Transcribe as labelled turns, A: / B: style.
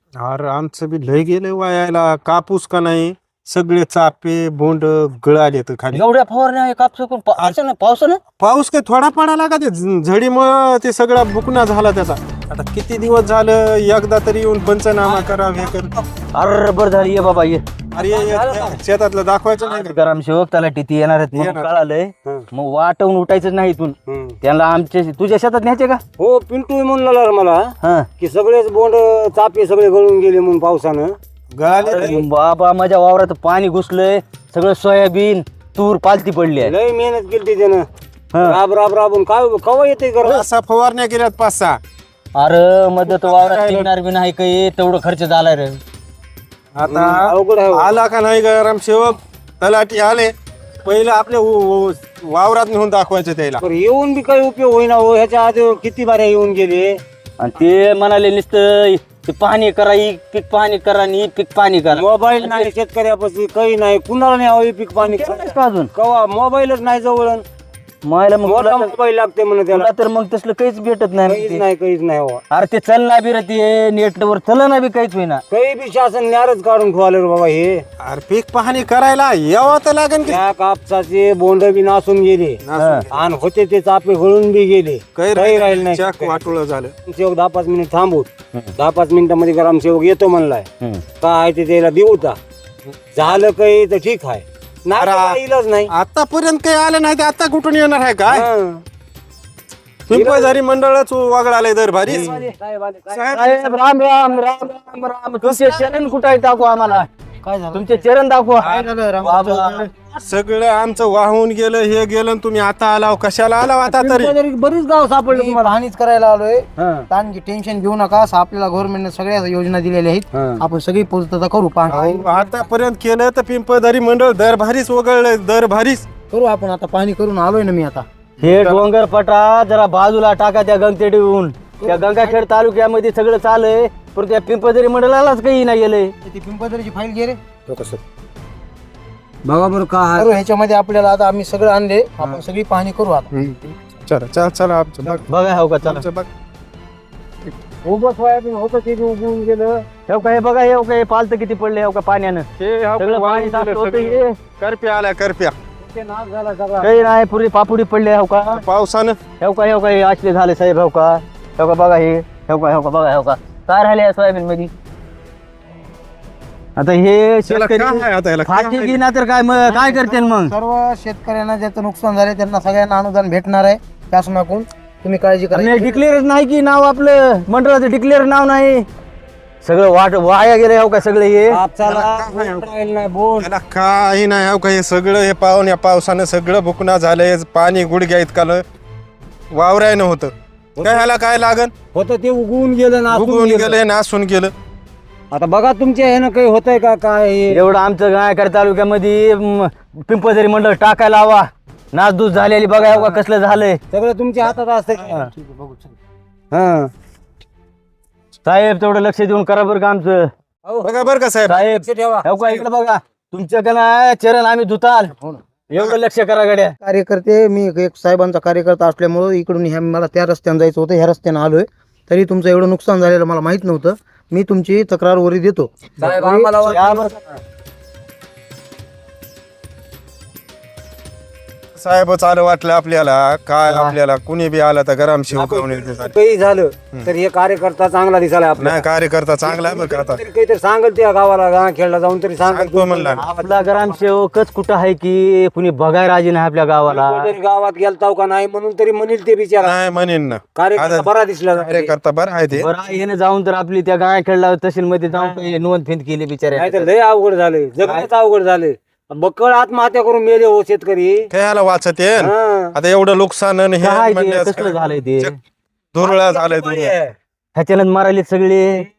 A: अरे आमचं बी लय गेलं वायाला. कापूस का नाही सगळे चापे बोंड गळाले तर खाली.
B: एवढ्या फवारण्या कापसून असं पावसानं
A: पाऊस काही थोडा पडाला का ते झडीमुळं ते सगळा बुकना झाला त्याचा. आता किती दिवस झालं एकदा तरी येऊन पंचनामा करा हे कर.
B: अरे बरं झाली ये बाबा ये.
A: अरे शेतातलं दाखवायचं नाही का?
B: ग्रामसेवक त्याला टीटी येणार आहेत म्हणून कळालंय. मग वाटवून उठायचं नाही इथून. त्यांना आमच्या तुझ्या शेतात न्यायचे का?
C: हो पिंटू म्हणून लागला मला
B: हा
C: की सगळेच बोंड चापे सगळे गळून गेले म्हणून पावसानं.
A: गळाले
B: अरे बाबा माझ्या वावरात पाणी घुसलंय. सगळं सोयाबीन तूर पालती पडली आहे.
C: लय मेहनत केली त्यानं. राब राब राबून काय कवा येते कर
A: असा फवारण्या केल्यात 5-6.
B: अरे मदत वावरात निघणार बी नाही काही तेवढं खर्च झालाय रे.
A: आता
C: अवघड आहे.
A: आला का नाही ग्रामसेवक तलाठी आले पहिलं आपल्या वावरात नेऊन दाखवायचं त्याला.
C: पण येऊन बी काही उपयोग होईना हो. ह्याच्या आधी किती बाऱ्या येऊन गेले.
B: आणि ते म्हणाले नुसतं ते पाणी करा ही पीक पाणी करा आणि ही पीक पाणी करा.
C: मोबाईल नाही शेतकऱ्यापाशी काही नाही. कुणाला नाही हवी पीक पाणी
B: का अजून
C: कवा मोबाईलच नाही जवळ.
B: मला मग
C: मोठा मोबाईल लागते म्हणे त्याला.
B: तुला तर मग तसलं काहीच भेटत नाही
C: काहीच नाही हो.
B: अरे ते चलना बी रे ते नेटवर चलना बी काहीच होईना.
C: काही बी शासन न्यारच काढून ठेवाले रे बाबा हे.
A: अरे पीक पाहणी करायला यावं तर लागेल की.
C: त्या कापसाचे बोंड बी नासून गेले आणि होते ते चापे गळून बी गेले. काही राहील नाही.
A: चक वाटोळं झालं.
C: सेवक 10-5 मिनिट थांबूत. 10-5 मिनिटामध्ये ग्रामसेवक येतो म्हणलाय. काय ते त्याला देऊ का झालं काही तर ठीक आहे. नाही इलाज नाही.
A: आतापर्यंत काही आलं नाही ते आता कुठून येणार आहे काय?
C: हं.
A: पिंपळझारी मंडळच वागळालंय दर भारी.
B: साहेब राम राम राम राम राम. तुमचे चरण कुठे आहे दाखवा आम्हाला.
C: काय झालं?
B: तुमचे चरण दाखवा.
C: बाबा.
A: सगळं आमचं वाहून गेलं हे गेलं आणि तुम्ही आता आलाव कशाला आलाव आता तरी?
C: पिंपळदरी बरीच गाव सापडले तुम्हाला.
D: हानीच करायला आलोय.
C: हं.
D: ताणची टेन्शन घेऊ नका. आपल्याला गव्हर्नमेंटने सगळ्या योजना दिलेल्या आहेत. आपण सगळी पूर्तता करू.
A: अहो, आतापर्यंत केलं तर पिंपळझारी मंडळ दर भारीच वगळलंय दर भारीच.
D: करू आपण आता. पाणी करून आलोय ना मी आता.
B: हे डोंगर पटा जरा बाजूला टाका त्या गंगतेडीहून. त्या गंगाखेड तालुक्यामध्ये सगळं चालय पण त्या पिंपळदरी मंडळालाच काही नाही गेलंय.
D: ती पिंपळदरीची फाईल घे रे.
C: बघा बरं काय
D: करू ह्याच्यामध्ये आपल्याला आता आम्ही सगळं आणले. आपण सगळी पाहणी करू आता.
A: चला चला आमचं बघ.
B: बघा हो का चला.
A: आमचं बघ.
C: उभं सोयाबीन होतं ते बी उगवून गेलं.
B: हे काय बघा हे काय पालत किती पडले हो का पाण्यानं.
A: हे
B: सगळं पाणी साचलं होतं हे.
A: करप्या आल्या करप्या
C: ते नाश झाला सगळा.
B: काही नाही पुरी पापुडी पडले हो का.
A: पावसानं.
B: हे का हे असले झाले साहेब हो का. हे का बघा हे. हे का बघा हे का काय राहिले या सोयाबीन मध्ये. आता हे
A: त्याला
B: शेतकरी
A: काय आहे आता याला काय
B: फाशी
A: आहे?
B: की ना तर काय मग काय करते मग.
D: सर्व शेतकऱ्यांना ज्याचं नुकसान झाले त्यांना सगळ्यांना अनुदान भेटणार आहे शासनाकडून. तुम्ही काळजी करा.
B: डिक्लेअर नाही की नाव आपलं मंडळाचं डिक्लेअर नाव नाही. सगळं वाया गेले हो का सगळे हे.
C: कापसाला बोंड राहिलं नाही बोंड.
A: याला काही नाही हो का हे सगळं हे पाहून या पावसानं सगळं बुकना झालंय. पाणी गुडघ्या इतकालं वावरायनं होतं काय ह्याला काय लागन.
C: होतं ते उगवून गेलं ना
A: उगवून गेलं नासून गेलं.
C: आता बघा तुमच्या ह्यानं काही होतंय का काय हे?
B: एवढं आमचं गायकर तालुक्यामध्ये पिंपळझरी मंडळ टाकायला हवा. नासधूस झालेली बघा हो का कसलं झालंय.
C: सगळं तुमच्या हातात असतंय. हा
B: साहेब तेवढं लक्ष देऊन करा बरं का आमचं.
A: बघा बरं का साहेब.
B: साहेब
C: ठेवा.
B: हो का इकडे बघा तुमच्याकडे ना चरण आम्ही धुताल. एवढं लक्ष करा गड्या.
D: कार्यकर्ते मी एक साहेबांचा कार्यकर्ता असल्यामुळं इकडून मला त्या रस्त्याने जायचं होतं. ह्या रस्त्याने आलोय. तरी तुमचं एवढं नुकसान झालेलं मला माहित नव्हतं. मी तुमची तक्रार वरी देतो.
C: साहेब आम्हाला
A: साहेब चालू वाटलं आपल्याला काय आपल्याला कुणी बी आला तर गरम शिव
C: काही झालं तर हे कार्यकर्ता चांगला दिसायला आपला.
A: नाही कार्यकर्ता चांगला आहे बरं का आता.
C: तरी काहीतरी सांगल त्या गावाला खेळला जाऊन तरी सांगल.
A: सांगतो म्हणला
B: आपला ग्रामसेवकच कुठं आहे की कुणी बघाय राजी नाही आपल्या गावाला.
C: तरी गावात गेलताव का नाही म्हणून तरी म्हणील ते बिचारा.
A: नाही म्हणेन ना
C: कार्यकर्ता बरा दिसला.
A: कार्यकर्ता बरं आहे ते.
B: बरं येणं जाऊन तर आपली त्या गाय खेळला तहसील मध्ये जाऊन काही नोंद फिंद केली बिचाऱ्या.
C: नाही तर लय अवघड झाले. जगण्याच अवघड झाले. बक्कळ आत्महत्या करून मेले हो शेतकरी.
A: खेळायला वाचत येन
C: हा.
A: आता एवढं नुकसान आणि हे
B: काय ते
A: म्हणल्यास
B: कसलं झालंय ते.
A: धुरळा झालंय धुरळा.
B: ह्याच्यानं मारायले सगळे.